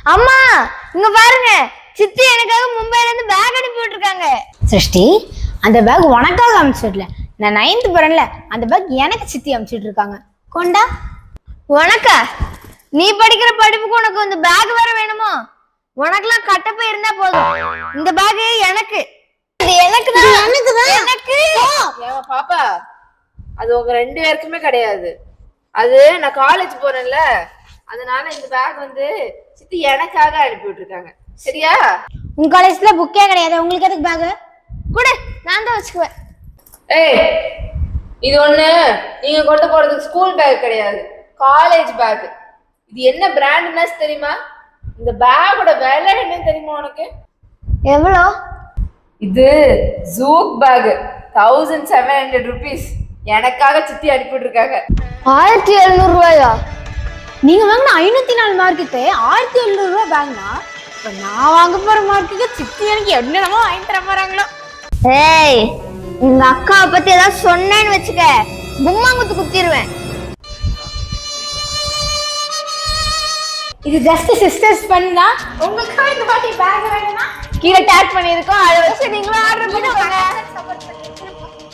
அம்மா இங்க பாருங்க, சித்தி எனக்காக மும்பைல இருந்து பேக் அனுப்பி விட்டுருக்காங்க. சிருஷ்டி, அந்த பேக் உனக்காக அனுப்பிச்சுடல, நான் 9th போறேன்ல, அந்த பேக் எனக்கு சித்தி அனுப்பிச்சுட்டு இருக்காங்க. கொண்டா. உனக்கா? நீ படிக்கிற படிப்புக்கு உனக்கு இந்த பேக் வேற வேணுமோ? உனக்குலாம் கட்டப்பை இருந்தா போதும். இந்த பேக் எனக்கு. இது எனக்கு தான். எனக்கு. ஏமா பாப்பா, அது உங்க 2 பேருக்குமே கிடையாது. அது நான் காலேஜ் போறேன்ல, அதனால இந்த பேக் வந்து சித்தி எனக்காக அனுப்பி விட்டுருக்காங்க. சரியா? உங்க காலேஜ்ல புக்கே கிடையாது, உங்களுக்கு எதுக்கு பேக்? கூட நான் தான் வச்சுக்குவேன். ஏய், இது ஒண்ணு நீங்க கொண்டு போறதுக்கு ஸ்கூல் பேக் கிடையாது, காலேஜ் பேக். இது என்ன பிராண்ட்னா தெரியுமா? இந்த பேக்கோட விலை என்னன்னு தெரியுமா உனக்கு? எவ்வளோ? இது ஜூக் பேக், 1700 rupees. எனக்காக சித்தி அனுப்பிட்டு இருக்காங்க. 1700 ரூபாயா? நீங்க வாங்கின 504 மார்க்குக்கு 1700 ரூபாய் பேக்னா, இப்ப நான் வாங்க போற மார்க்குக்கு சித்தி எனக்கு என்னென்னமோ வாங்கி தர போறாங்களோ. ஏய், எங்க அக்காவை பத்தி ஏதாவது சொன்னேன்னு வச்சுக்க, கும்மாங்குத்து குத்திடுவேன். இது ஜஸ்ட் சிஸ்டர்ஸ் பண்ணா. உங்களுக்கு இந்த வாட்டி பேக் வேணும்னா கீழே டேக் பண்ணியிருக்கோம், அதை வச்சு நீங்களும் ஆர்டர் பண்ணுங்க.